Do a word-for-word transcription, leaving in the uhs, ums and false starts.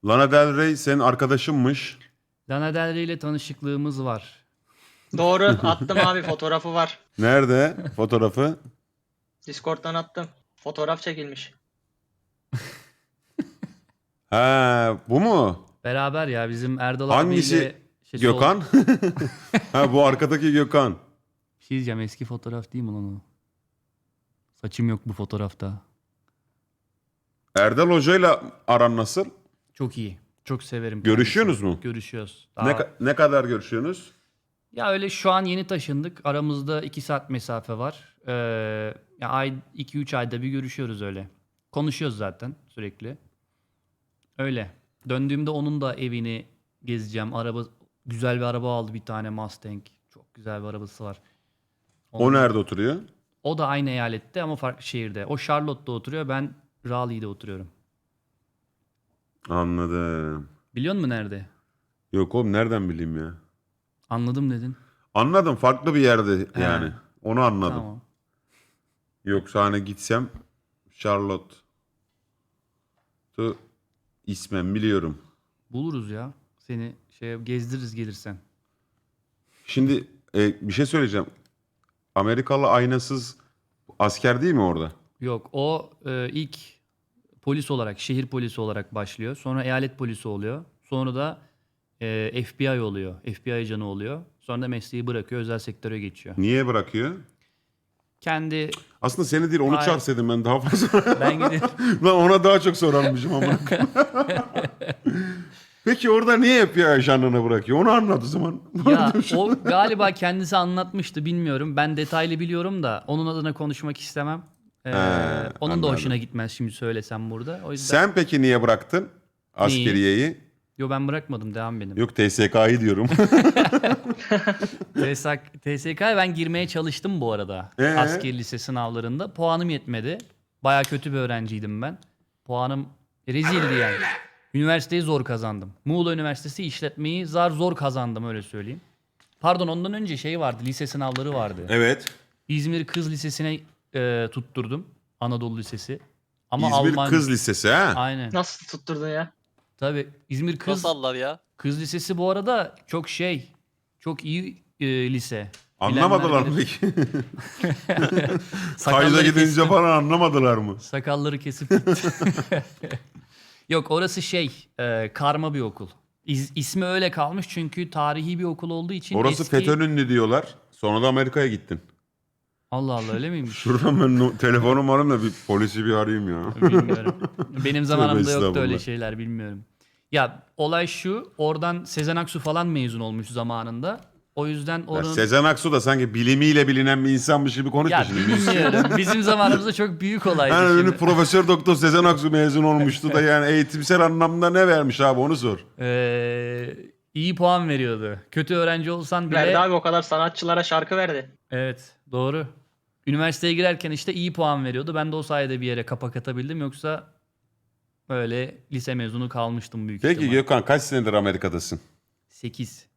Lana Del Rey senin arkadaşınmış. Lana Del Rey ile tanışıklığımız var. Doğru, attım abi, fotoğrafı var. Nerede fotoğrafı? Discord'dan attım. Fotoğraf çekilmiş. Ha, bu mu? Beraber ya bizim Erdal Hangisi? abiyle... şey, sol- Gökhan? Ha, bu arkadaki Gökhan. Bir şey diyeceğim, eski fotoğraf değil mi lan o? Saçım yok bu fotoğrafta. Erdal Hoca'yla aran nasıl? Çok iyi. Çok severim. Görüşüyorsunuz kendisini. mu? Görüşüyoruz. Ne, Daha- ka- ne kadar görüşüyorsunuz? Ya öyle şu an yeni taşındık. Aramızda iki saat mesafe var. Ee, ya ay iki üç ayda bir görüşüyoruz öyle. Konuşuyoruz zaten sürekli. Öyle. Döndüğümde onun da evini gezeceğim. Araba güzel bir araba aldı, bir tane Mustang. Çok güzel bir arabası var. O Onun- nerede oturuyor? O da aynı eyalette ama farklı şehirde. O Charlotte'da oturuyor. Ben Raleigh'de oturuyorum. Anladım. Biliyor musun nerede? Yok oğlum, nereden bileyim ya? Anladım dedin. Anladım, farklı bir yerde He. yani. Onu anladım. Tamam. Yoksa hani gitsem Charlotte. Tu ismen biliyorum. Buluruz ya. Seni şey gezdiririz gelirsen. Şimdi e, bir şey söyleyeceğim. Amerikalı aynasız asker değil mi orada? Yok, o e, ilk polis olarak, şehir polisi olarak başlıyor. Sonra eyalet polisi oluyor. Sonra da e, F B I oluyor. F B I ajanı oluyor. Sonra da mesleği bırakıyor, özel sektöre geçiyor. Niye bırakıyor? Kendi Aslında seni değil, onu Hayır. çağırsaydım ben daha fazla. ben gidip Lan ona daha çok sorarmışım ama. Peki orada niye F B I ajanlığını bırakıyor? Onu anlat o zaman. ya o galiba kendisi anlatmıştı, bilmiyorum. Ben detaylı biliyorum da onun adına konuşmak istemem. Ee, He, onun anladım. da hoşuna gitmez şimdi söylesem burada. O yüzden Sen peki niye bıraktın askeriyeyi? yo, ben bırakmadım, devam benim. Yok, T S K'yı diyorum. T S K'ya ben girmeye çalıştım bu arada. Ee? Asker lise sınavlarında. Puanım yetmedi. Baya kötü bir öğrenciydim ben. Puanım rezildi yani. Üniversiteyi zor kazandım. Muğla Üniversitesi işletmeyi zar zor kazandım, öyle söyleyeyim. Pardon, ondan önce şey vardı, lise sınavları vardı. Evet. İzmir Kız Lisesi'ne e, tutturdum. Anadolu Lisesi. Ama İzmir Alman... Kız Lisesi ha? Aynen. Nasıl tutturdun ya? Tabii İzmir Kız Nasıl aldılar ya? Kız Lisesi bu arada çok şey, çok iyi e, lise. Anlamadılar Bilenler mı bilir. peki? Kayda Sakalları gidince kestim. falan anlamadılar mı? Sakalları kesip gitti. Yok, orası şey, e, karma bir okul. İz, ismi öyle kalmış çünkü tarihi bir okul olduğu için Orası eski... FETÖ'nün diyorlar. Sonra da Amerika'ya gittin. Allah Allah, öyle miymiş? Şuradan ben no- telefonum arayayım da bir polisi bir arayayım ya. Bilmiyorum. Benim zamanımda yoktu estağfurullah. öyle şeyler, bilmiyorum. Ya olay şu, oradan Sezen Aksu falan mezun olmuş zamanında. O yüzden Ya onun... Sezen Aksu da sanki bilimiyle bilinen bir insanmış gibi konuşma Ya şimdi. bilmiyorum. Bizim zamanımızda çok büyük olaydı. Yani şimdi. ünlü Profesör Doktor Sezen Aksu mezun olmuştu da yani eğitimsel anlamda ne vermiş abi, onu sor. Ee, iyi puan veriyordu. Kötü öğrenci olsan bile... Verdi abi, o kadar sanatçılara şarkı verdi. Evet, doğru. Üniversiteye girerken işte iyi puan veriyordu. Ben de o sayede bir yere kapak atabildim. Yoksa öyle lise mezunu kalmıştım büyük Peki ihtimal. Gökhan, kaç senedir Amerika'dasın? sekiz.